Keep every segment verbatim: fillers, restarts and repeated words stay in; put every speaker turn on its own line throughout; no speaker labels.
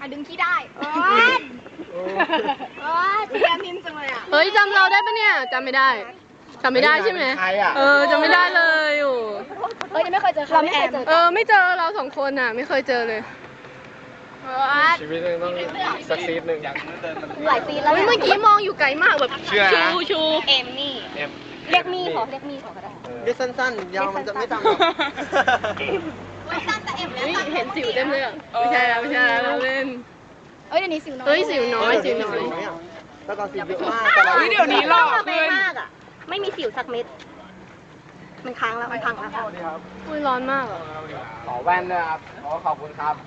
ดึงขี้ได้โอ๊ยโอ๊ยเสียมินจังเลยอ่ะ
เฮ้ยจำเราได้ปะเนี่ยจำไม่ได้จำไม่ได้ใช่ไหมเออจำไม่ได้เลยโอ้
เอ้ยยังไม่เคยเจอเราไม่เคยเจอ
เออไม่เจอเราสองคนอ่ะไม่เคยเจอเลย
ชีวิตนึงต้องสักซีดหนึ่ง
หลายปีแล้ว
เฮ้ยเมื่อกี้มองอยู่ไกลมากแบบ
เชื่อนะ
ชูชู
เอมมี่
เอ็ม
เรียกมี่ขอเรียกมี่ขอก็ได้
เรียกสั้นๆ ยาวมันจะไม่จำหรอก
ไม่สั้นแต่เอ็ม
เฮ้ยเห็นสิวเต็มเลยอะไม่ใช่แล้วไม่ใช่แล้วเราเล่น
เอ้ยเดี๋ยวนี้สิวน้อย
เฮ้ยสิวน้อยสิวน้อย
แล้วก็สิวเยอะมากแต่เรา
เฮ้ยเดี๋ยวนี้หล่อขึ้น
มากอ่ะไม่มีสิวสักเม็ดมันค้างแล้วมันพังแล้ว
อุ้ยร้อนมากอ่ะ
ขอแว่นด้วยครับขอขอบคุณครับ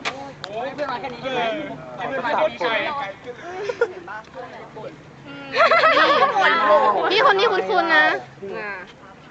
พี่คนนี้คุ้นๆนะอ่า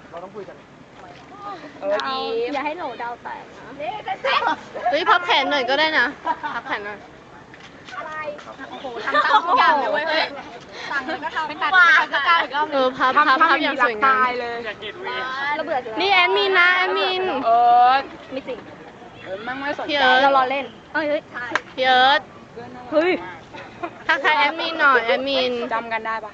เออดี
อย่าให้โหลดาวแตกนะ
เฮ้ยพับแขนหน่อยก็ได้นะพับแขนหน่อย
โอ้โหทำตามทุกอย่างเลยเว้ยสั่งเลยก็ทำไม่ตัดก็ตัดอีกรอบ
เออพับพับพับอย่างสวยงาม
ตายเลย
เราเบื่อจัง
นี่แอดมินนะแอดมิน
เออ
ไม่จริง
เออมั่งไม่สน
พี่
ใจ
เอิร์ธ
เรารอเล่นเอ้ยเฮ้ย
พี่เอิร์ธ
เฮ้ย
ทักทายแอดมินหน่อยแอดมิน
จำกันได้ปะ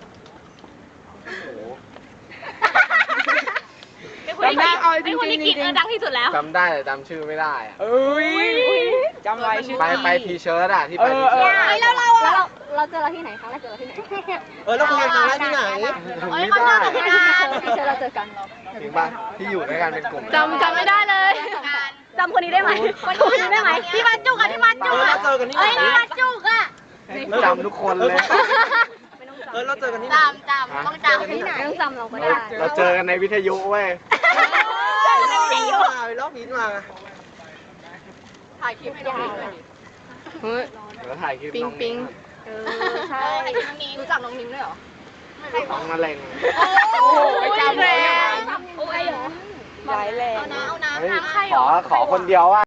จำได้เอาจริงๆจริงๆ
ดังที่สุดแล้ว
จำได้แต่จำชื่อไม่ได้อะ
เอ้ยจำไว้ชื่อ
ไปไปทีเชิร์ตอะที่ไป
เอ
ที
อเอ
เชิ
อ
ร์ต
เฮ้ยแล้วเราแล้วเราเราเจอเราที่ไหนครั้งแรกเจอเราที่ไหน
เออแล้วคุยกันครั้งแรกที่ไหน
เฮ้ยเขาเจอเราที่ไหนเจอเราเจอกัน
จริงป่ะที่อยู่ด้วยกันเป็นกลุ่ม
จำจำไม่ได้เลย
จำคนนี้ได้ไหมคนนี้ได้ไหมที่มาจุกอะที่มาจุ
เอก อ
อะ
เราเจอกันที่ไห
เอ้ย
น
ที่มาจุกอะ
จำทุกคนเลย
เออเราเจอกันที่ไหน
จำจำต้องจำที่ไหนต้องจำเราก็ได้
เราเจอกันในวิทยุเว้ย
ไปรอบนี้มา
ถ่ายคลิปไม่ได้
เฮ้ย
แล้วถ่ายคลิป
ปิง
น้อง
ปิง
เออใช่รู้จักน้องนิ้งด้วยเหรอ
น้องมะเร็ง
โอ้ยจำเลย
โอ้ยเหรอ
ร้ายแรง
เอานะเอานะ
เฮ้ย
ถามใครเห
ข
ร
อ
อ
ขอคนเดียวว่า